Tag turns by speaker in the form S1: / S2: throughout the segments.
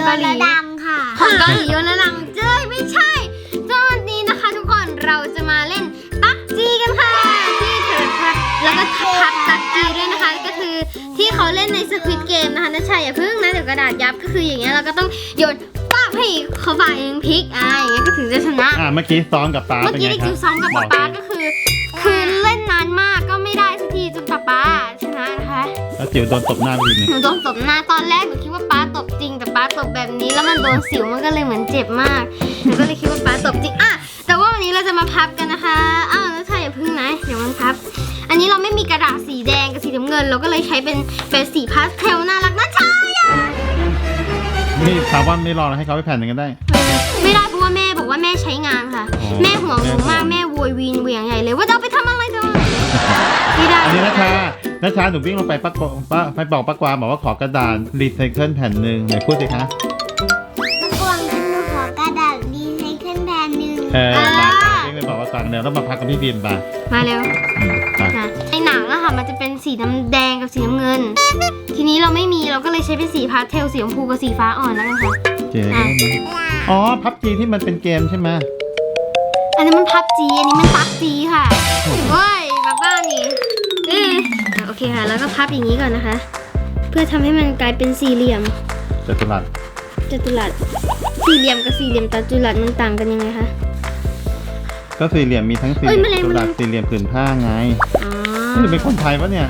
S1: เกาหลี
S2: ดังค่ะ
S1: ของเกาหลีโยนดังเจ้ยไม่ใช่ตอนนี้นะคะทุกคนเราจะมาเล่นปักจีกันค่ะที่เธอค่ะแล้วก็พับปักจีด้วยนะคะก็คือที่เขาเล่นในสควิดเกมนะคะนะชายอย่าพึ่งนะเดี๋ยวกระดาษยับก็คืออย่างเงี้ยเราก็ต้องโยนป้าให้เขาฝ่ายหนึ่งพลิกอย่างเงี้ยก็ถึงจะชนะ
S3: เมื่อกี้ซ้อมกับป๊า
S1: เมื่อกี้ได้จิวซ้อมกับป๊าก็คือเล่นนานมากก็ไม่ได้สักทีจนป๊าชนะนะคะ
S3: แล้วจิ๋วโดนตบหน้าไปทีนึง
S1: หนูโดนตบหน้าตอนแรกหนูคิดว่าป๊าตบจริงแต่ป๊าตบแบบนี้แล้วมันโดนสิวมันก็เลยเหมือนเจ็บมากหนูก็เลยคิดว่าป๊าตบจริงแต่ว่าวันนี้เราจะมาพับกันนะคะแล้วใช่อย่าพึ่งนะเดี๋ยวมันพับอันนี้เราไม่มีกระดาษสีแดงกับสีน้ำเงินเราก็เลยใช้เป็นสีพาสเทลน่ารักน่าชัง
S3: นี่ถามว่าไม่รอให้เขาไปแผ่นหนึ่งกันได้
S1: ไม่ได้เพราะว่าแม่บอกว่าแม่ใช้งานค่ะแม่ห่วงหนูมากแม่โวยวีนเหวี่ยงใหญ่เลยว่าจะเอาไปทำอะไรจะไม่ได้
S3: อันนี้นะชาหนูวิ่งลงไปไปบอกป้ากวางบอกว่าขอกระดาษรีไซเคิลแผ่นหนึ่งไหนพูดสิคะ
S2: ป้ากวางฉันขอกระดาษรีไซเคิลแผ่นหนึ่ง
S3: วิ่งไปบอกป้ากวางเดี๋ยวต้องมาพักกับพี่บีมไป
S1: มาเร็วในหนังอะค่ะมันจะเป็นสีน้ำแดงกับสีน้ำเงินทีนี้เราไม่มีเราก็เลยใช้เป็นสีพาสเทลสีชมพูกับสีฟ้าอ่อนแล้วกันค่ะ
S3: เจ๋งอ๋อพับจีที่มันเป็นเกมใช่ไหม
S1: อันนี้มันพับจีอันนี้มันปักจีค่ะเฮ้ยบ้านี่โอเคค่ะแล้วก็พับอย่างนี้ก่อนนะคะเพื่อทำให้มันกลายเป็นสี่เหลี่ยม
S3: จัตุรัส
S1: สี่เหลี่ยมกับสี่เหลี่ยมจัตุรัสมันต่างกันยังไงคะ
S3: ก็สี่เหลี่ยมมีทั้งสี่เหลี่ยมจัตุรัสสี่เหลี่ยมผืนผ้าไงนี่เป็นคนไทยปะเนี่ย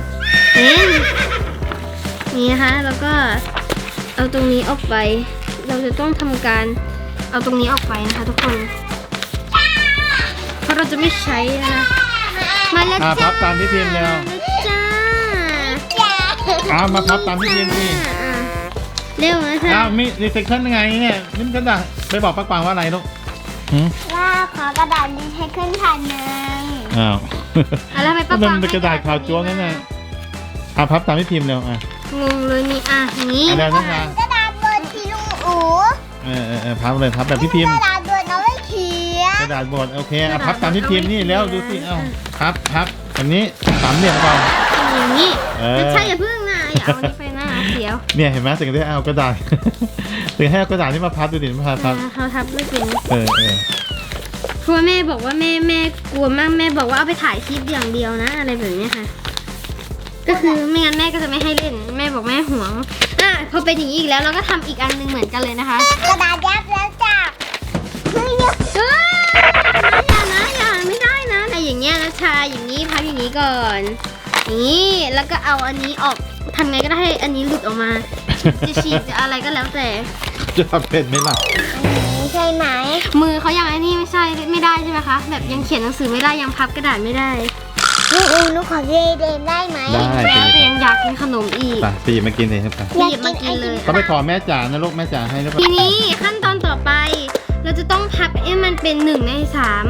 S1: นี่นะคะแล้วก็เอาตรงนี้ออกไปเราจะต้องทำการเอาตรงนี้ออกไปนะคะทุกคนเพราะเราจะไม่ใช้นะมาแล้วจ้า
S3: พับตามที่พิมพ์แล้วจ้ามาพับตามที่พิมพ์สิ
S1: เร็วนะจ๊ะ
S3: มีรีไซเคิลยังไงเนี่ยนี่กระดาษไปบอกป้ากวางว่าอะไรลูก
S2: ว่าขอกระดาษรีไซเคิลแผ่นหนึ่ง
S1: แล้วไปป้ากวาง
S3: มันเป็นกระดาษขาวจ้วงนั่นแหละพับตามที่พิมพ์แล้ว
S1: งงเลยนี่นี้
S2: กระดาษบดสีลุงอู๋
S3: พับเลยพับแบบพี่พิมพ์
S2: กระดาษบดเอาไว้เขียน
S3: กระดาษบดโอเคพับตามที่พิมพ์นี่แล้วดูสิพับแบบนี้สามเหลี่ยมก่อน
S1: อย่างนี้ใช่อย่าพึ่งนะอย่าเอาไปหน้าเสียว
S3: เนี่ยเห็นไหมถึงได้เอากระดาษถึงให้เอากระดาษที่มาพับดูดิมาพับ
S1: เขาทับไม่เป็นเพราะแม่บอกว่าแม่กลัวมากแม่บอกว่าเอาไปถ่ายคลิปอย่างเดียวนะอะไรแบบนี้ค่ะก็คือไม่งั้นแม่ก็จะไม่ให้เล่นแม่บอกแม่ห่วงพอเป็นอย่างนี้อีกแล้วเราก็ทำอีกอันนึงเหมือนกันเลยนะคะ
S2: กระดาษยับแล้วจ้ะ
S1: อย่าไม่ได้นะอะไรอย่างเงี้ยนะชาอย่างนี้พับอย่างนี้ก่อนอย่างนี้แล้วก็เอาอันนี้ออกทำไงก็ได้ให้อันนี้หลุดออกมาจะฉีกจะอะไรก็แล้วแต่
S3: จะทำเป็นไหมล่ะ
S2: ใช่ไหม
S1: มือเขายังไอ้นี่ไม่ได้ใช่ไหมคะแบบยังเขียนหนังสือไม่ได้ยังพับกระดาษไม่ได้
S2: หนูขอเรียนได้ไหม
S1: ได้แต่ยังอยากกินขนมอีก
S3: ปีมากินเลยครับ
S1: ปีมากินเลย
S3: ต้องไปขอแม่จ๋านะลูกแม่จ๋าให้หรือเปล่า
S1: ทีนี้ขั้นตอนต่อไปเราจะต้องพับให้มันเป็น1 ใน 3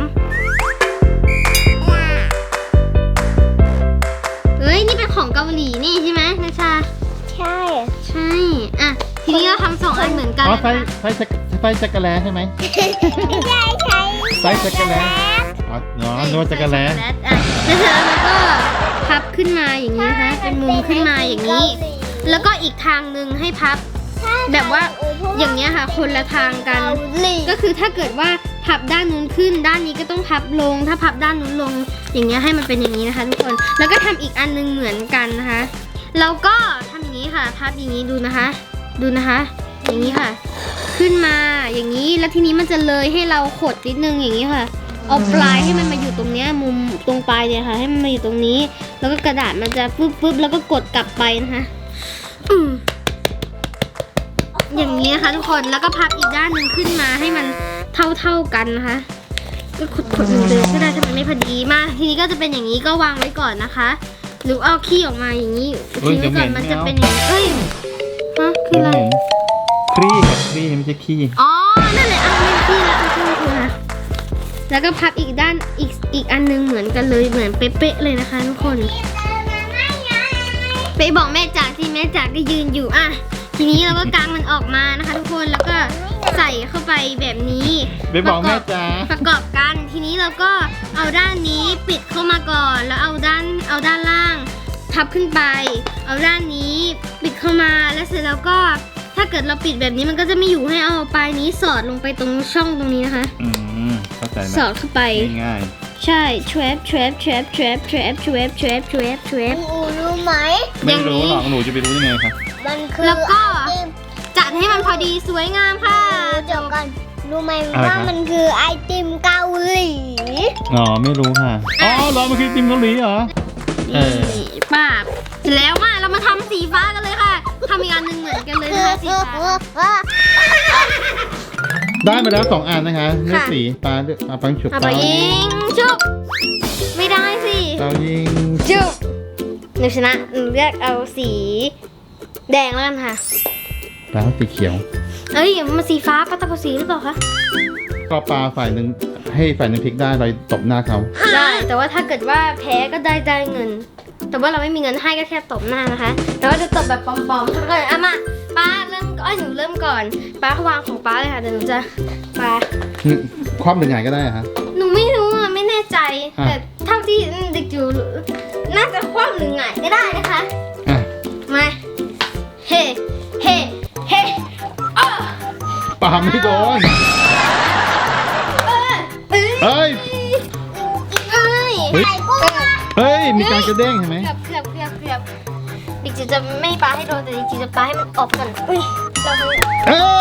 S1: เฮ้ยนี่เป็นของเกาหลีนี่ใช่ไหมนาชา
S2: ใช่
S1: ทีนี้เราทำ2 อันเหมือนกัน
S3: ไฟจักรแลใช่ไหม
S2: ไม่ใช่
S3: ไฟจักรแลนวดจักรแล
S1: แล้วก็พับขึ้นมาอย่างนี้นะคะเป็นมุมขึ้นมาอย่างนี้แล้วก็อีกทางนึงให้พับแบบว่าอย่างเงี้ยค่ะคนละทางกันก็คือถ้าเกิดว่าพับด้านนู้นขึ้นด้านนี้ก็ต้องพับลงถ้าพับด้านนู้นลงอย่างเงี้ยให้มันเป็นอย่างนี้นะคะทุกคนแล้วก็ทำอีกอันนึงเหมือนกันนะคะแล้วก็ทำอย่างนี้ค่ะพับอย่างนี้ดูนะคะอย่างนี้ค่ะขึ้นมาอย่างนี้แล้วทีนี้มันจะเลยให้เราขดนิดนึงอย่างนี้ค่ะเอาปลายให้มันมาอยู่ตรงเนี้ยมุมตรงปลายเนี่ยค่ะให้มันมาอยู่ตรงนี้แล้วก็กระดาษมันจะปึ๊บแล้วก็กดกลับไปนะคะอย่างนี้นะคะทุกคนแล้วก็พับอีกด้านหนึ่งขึ้นมาให้มันเท่ากันนะคะก็ขดเดิมก็ได้ถ้ามันไม่พอดีมาทีนี้ก็จะเป็นอย่างนี้ก็วางไว้ก่อนนะคะหรือเอาขี้ออกมาอย่างนี้ทิ้งไว้ก่อนมันจะเป็นอย่างนี้คืออะไร
S3: ครีไม่ใช่ขี้
S1: นั่นแหละไม่ขี้แล้วก็พับอีกด้านอีกอันนึงเหมือนกันเลยเหมือนเป๊ะๆเลยนะคะทุกคนไปบอกแม่จ๋าที่แม่จ๋าก็ยืนอยู่ทีนี้เราก็กางมันออกมานะคะทุกคนแล้วก็ใส่เข้าไปแบบนี้
S3: ไปบอกแม่จ๋า
S1: ประกอบกันทีนี้เราก็เอาด้านนี้ปิดเข้ามาก่อนแล้วเอาด้านล่างทับขึ้นไปเอาด้านนี้ปิดเข้ามาแล้วเสร็จแล้วก็ถ้าเกิดเราปิดแบบนี้มันก็จะไม่อยู่ให้เอาปลายนี้สอดลงไปตรงช่องตรงนี้นะคะ
S3: เข้าใจไหม
S1: สอดเข้าไป
S3: ง่าย
S1: ใช่แทรปแทรปแทรปแทรปแทรปแทรปแทรปแทรปแทรป
S2: อูรู้ไหม
S3: ๆไม่รู้หรอกหนูจะไปรู้ยังไงคะ
S2: มันคือ
S1: แล้วก็
S2: ไอติม
S1: จัดให้มันพอดีสวยงามค่ะ
S2: เดี๋ยวก่อนรู้ไหมว่ามันคือไอติมเกาหลี
S3: อ๋อไม่รู้ค่ะอ๋อเหรอมันคือติมเกาหลีเหรอ
S1: นี่ป้าบเสร็จแล้วมาเรามาทำสีฟ้ากันเลยค่ะทำอีกอันหนึ่งเหมือนกันเลยนะคะสีฟ้า
S3: ได้มาแล้ว2 อันนะคะเลือกสีปลาเลือกปังฉุบ
S1: เอาไปยิงชุบไม่ได้สิ
S3: เปายิง
S1: ชุบหนูชนะหนูเลือกเอาสีแดงแล้วกันค่ะ
S3: ปลาสีเขียว
S1: เอ้ยมาสีฟ้าปลาตะโกสีหรือเปล่าคะ
S3: ก็ปลาฝ่ายหนึ่งให้ฝ่ายหนึ่งพลิกได้เราตบหน้าเขา
S1: ได้แต่ว่าถ้าเกิดว่าแพ้ก็ได้เงิน แต่ว่าเราไม่มีเงินให้ก็แค่ตบหน้านะคะ แต่ว่าจะตบแบบปลอมๆก็เลยอ่ะมาป้าเริ่มก็หนูเริ่มก่อนป้าวางของป้าเลยค่ะเดี๋ยวหนูจะป้า
S3: คว่ำหรือไงก็ได้ฮะ
S1: หนูไม่รู้อ่ะไม่แน่ใจ
S3: อ่ะ
S1: แต่เท่าที่เด็กอยู่น่าจะคว่ำหรือไงายก็ได้นะคะ
S3: อ่ะ
S1: มาเฮ้เฮ้เฮ้อ้อ
S3: ปลาไม่โดน
S1: เอ้ย
S3: เฮ้ย
S1: เอ้ย
S3: เฮ้ย
S2: ไข่กุ้งอะ
S3: เฮ้ยมีการกระเด้งเห็นไหม
S1: เกือบเด็กจิ๋วจะไม่ปาให้โดนแต่เด็กจิ๋วจะปาให้มันออกก่อนอุ้ยเราทำ
S3: เอ้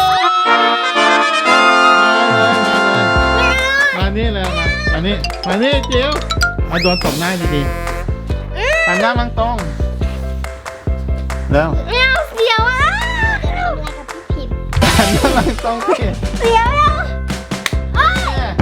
S3: ยมานี่เลยมานี่จิ๋วมาโดนตบหน้าดีๆหันหน้ามังตรงแล้ว
S1: ไม่เอาเสียวอ่ะ
S2: จะทำอะไรกับพี่พิมพ์
S3: หันหน้ามังตรงสิ
S1: เสียวแล้วอ้าว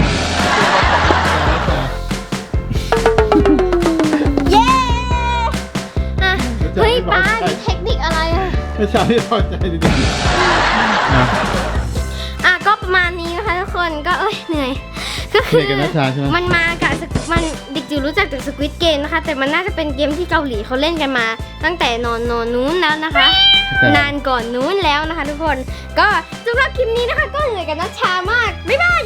S1: เย้อ่ะเฮ้ยป้ามีเทคนิคอะไรอ่ะ
S3: ไม่ใช่ที่พอใจดีๆอ่ะ
S1: อ่ะก็ประมาณนี้นะคะทุกคนก็เหนื่อยก็คือ
S3: เหนื่อยกับนัชชาใช่ไหม
S1: มันมากับมันเด็กจิ๋วรู้จักจากสควิตเกมนะคะ แต่มันน่าจะเป็นเกมที่เกาหลีเขาเล่นกันมา ตั้งแต่นอนนู้นแล้วนะคะ นานก่อนนู้นแล้วนะคะ ทุกคนก็สำหรับคลิปนี้นะคะ ก็เหนื่อยกับนัชชามากบ๊ายบาย